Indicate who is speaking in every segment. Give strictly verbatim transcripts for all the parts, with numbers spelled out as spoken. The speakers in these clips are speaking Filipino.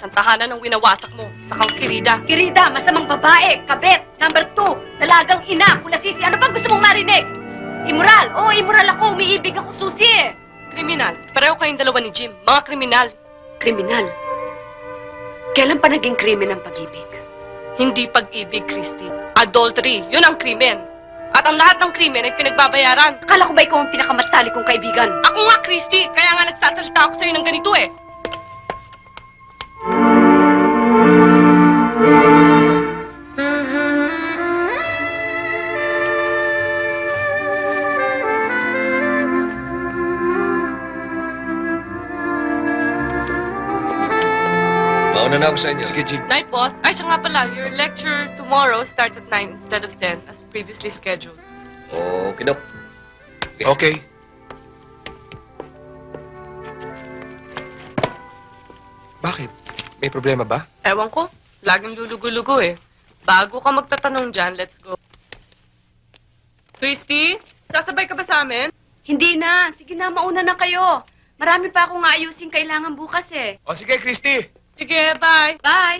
Speaker 1: Isang tahanan ng winawasak mo. Isa kang kirida.
Speaker 2: Kirida, masamang babae, kabet. Number two, dalagang ina, kulasisi. Ano bang gusto mong marinig? Immoral. Oo, immoral ako. Umiibig ako, Susi eh.
Speaker 1: Kriminal. Pareho kayong dalawa ni Jim. Mga kriminal.
Speaker 2: Kriminal. Kailan pa naging krimen ang pag-ibig?
Speaker 1: Hindi pag-ibig, Christy. Adultery. Yun ang krimen. At ang lahat ng krimen ay pinagbabayaran.
Speaker 2: Akala ko ba ikaw ang pinakamatali kong kaibigan?
Speaker 1: Ako nga, Christy. Kaya nga nagsasalita ako sa'yo ng ganito eh.
Speaker 3: Mauna na ako sa inyo.
Speaker 4: Sige, Jim.
Speaker 1: Night, boss. Ay, siya nga pala. Your lecture tomorrow starts at nine instead of ten as previously scheduled.
Speaker 3: Okay, Dok.
Speaker 4: Okay. Bakit? May problema ba?
Speaker 1: Ewan ko. Laging lulugo-lugo eh. Bago ka magtatanong dyan, let's go. Christy, sasabay ka ba sa amin?
Speaker 2: Hindi na. Sige na, mauna na kayo. Marami pa akong aayusin kailangan bukas eh.
Speaker 4: O sige, Christy.
Speaker 1: Sige, bye.
Speaker 2: Bye!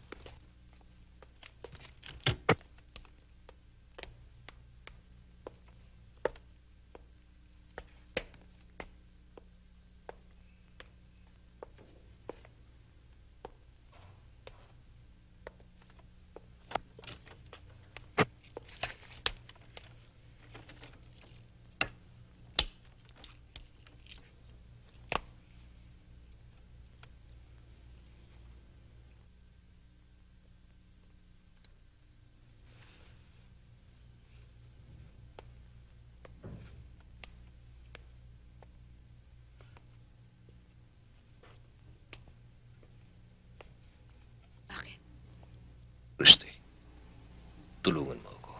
Speaker 3: Christy, tulungan mo ako.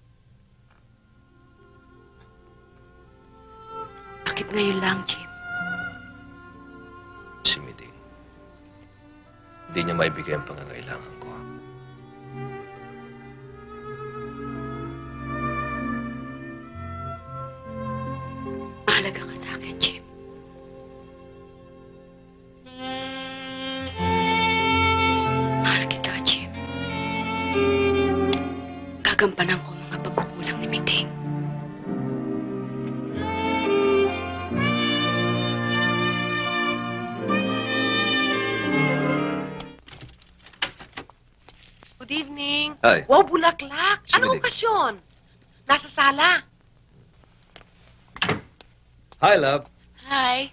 Speaker 2: Bakit ngayon lang, Jim?
Speaker 3: Si Miding. Hindi niya maibigay ang pangangailangan ko.
Speaker 2: Mahalaga ka sa akin, Jim. Mahal kita, Jim. Gagampanan ko ang mga pagkukulang ni Miting.
Speaker 5: Good evening.
Speaker 3: Hi.
Speaker 5: Wow, bulaklak.
Speaker 3: Sige,
Speaker 5: Anong
Speaker 3: Dick.
Speaker 5: okasyon? Nasa sala.
Speaker 3: Hi, love.
Speaker 2: Hi.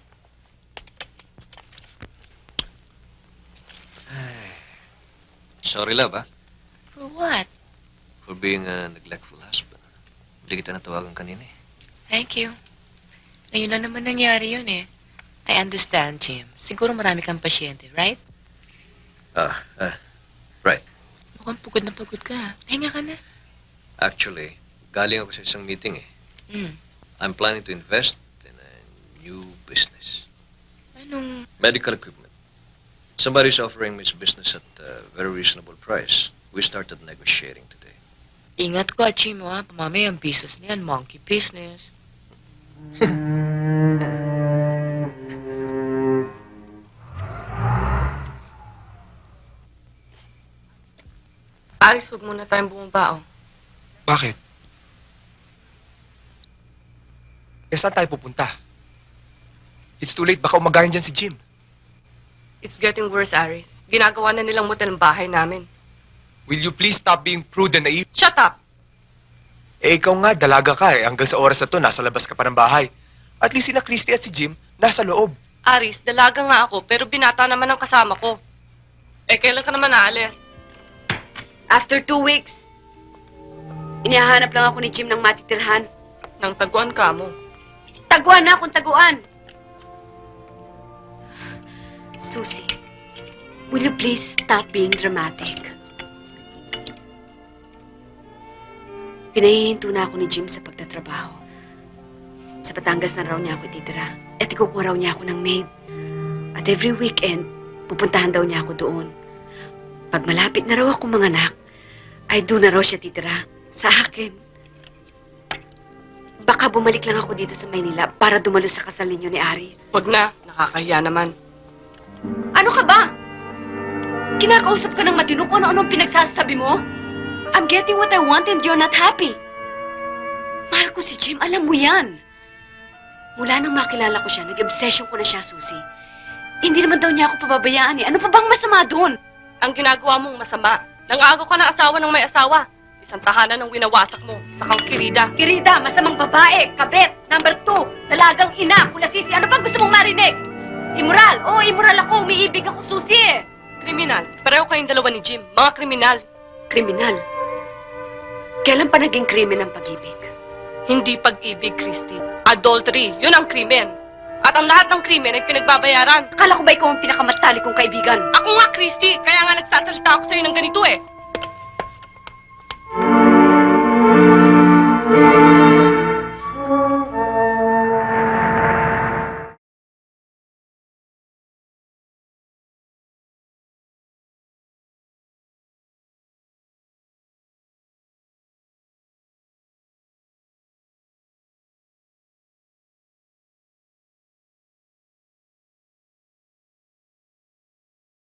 Speaker 3: Sorry, love, ah.
Speaker 2: For what?
Speaker 3: For being a neglectful husband. Hindi kita natawagan kanina eh.
Speaker 6: Thank you. Ngayon lang naman nangyari yun eh. I understand, Jim. Siguro marami kang pasyente, right?
Speaker 3: Ah, ah, right.
Speaker 6: Mukhang pagod na pagod ka. Pahinga ka na.
Speaker 3: Actually, galing ako sa isang meeting eh.
Speaker 6: Hmm.
Speaker 3: I'm planning to invest in a new business.
Speaker 6: Anong...
Speaker 3: Medical equipment. Somebody's offering me this business at a very reasonable price. We started negotiating today.
Speaker 6: Ingat ka, Jim, ha? Mamaya ang business na yan, monkey business.
Speaker 1: Aris, huwag muna tayong bumabao.
Speaker 4: Bakit? Eh, saan tayo pupunta? It's too late. Baka umagayan dyan si Jim.
Speaker 1: It's getting worse, Aris. Ginagawa na nilang motel ang bahay namin.
Speaker 4: Will you please stop being prude and naive?
Speaker 1: Shut up!
Speaker 4: Eh, ikaw nga, dalaga ka eh. Hanggang sa oras na to, nasa labas ka pa ng bahay. At least sina Christy at si Jim, nasa loob.
Speaker 1: Aris, dalaga nga ako, pero binata naman ang kasama ko. Eh, kailan ka naman naalis?
Speaker 2: After two weeks, inihahanap lang ako ni Jim ng matitirhan.
Speaker 1: Nang taguan ka mo.
Speaker 2: Taguan na akong taguan! Susie, will you please stop being dramatic? Pinahihinto na ako ni Jim sa pagtatrabaho. Sa Batangas na raw niya ako ititira. At ikukuha raw niya ako ng maid. At every weekend, pupuntahan daw niya ako doon. Pag malapit na raw ako manganak, ay doon na raw siya titira. Sa akin. Baka bumalik lang ako dito sa Maynila para dumalo sa kasal ninyo ni Aris.
Speaker 1: Huwag na, nakakahiya naman.
Speaker 2: Ano ka ba? kinakausap ka ng matino kung ano-anong pinagsasabi mo? I'm getting what I want and you're not happy. Mahal ko si Jim, alam mo yan. Mula nang makilala ko siya, nag-obsession ko na siya, Susie. Hindi naman daw niya ako pababayaan eh. Ano pa bang masama doon?
Speaker 1: Ang ginagawa mong masama. Nangaagaw ka ng asawa ng may asawa. Isang tahanan ng winawasak mo. Isa kang kirida.
Speaker 2: Kirida, masamang babae, kabet. Number two, dalagang ina, kulasisi. Ano bang gusto mong marinig? Immoral. Oo, immoral ako. Umiibig ako, Susie.
Speaker 1: Kriminal. Pareho kayong dalawa ni Jim. Mga kriminal.
Speaker 2: Kriminal. Kailan pa naging krimen ang pag-ibig?
Speaker 1: Hindi pag-ibig, Christy. Adultery. Yun ang krimen. At ang lahat ng krimen ay pinagbabayaran.
Speaker 2: Akala ko ba ikaw ang pinakamatali kong kaibigan?
Speaker 1: Ako nga, Christy. Kaya nga nagsasalita ako sa'yo ng ganito eh.